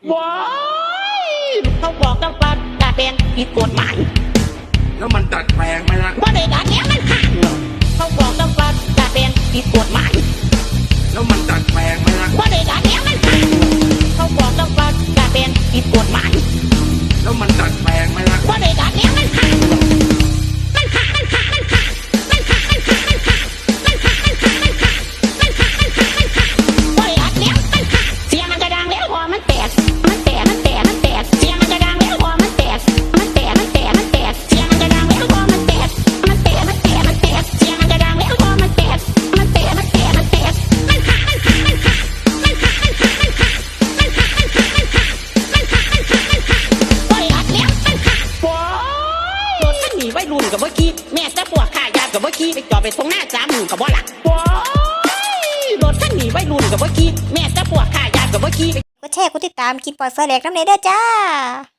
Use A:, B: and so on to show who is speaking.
A: ว้ายเขาบอกต้องปลาดัดแปลงผิดกฎหมาย
B: แล้วมันดัดแปลงไหมล่ะ
A: ว่าได้ดัดแล้วมันขาดเขาบอกต้องปลาดัดแปลงผิดกฎหมาย
B: แล้วมันดัดแปลงไหมล่ะ
A: ว่าได้ดัดแล้วมันขาดเขาบอกต้องปลาดัดแปลงผิดกฎหมาย
B: แล้วมันดัดแปลงไหมล่ะ
A: ว่าได้ดัดแล้วมันขาดวัยรุ่นกับเมื่อกี้แม่จะปวดขายากับเมื่อกี้ไปจอดไปตรงหน้าจ้ามือกับบ่หลักว้ายรถคันนี้วัยรุ่นกับเมื่อกี้แม่จะปวดขายากับเมื่อกี้
C: กดแชร์กดติดตามกินปล่อยไฟแหลกน้ำเนเด้อจ้า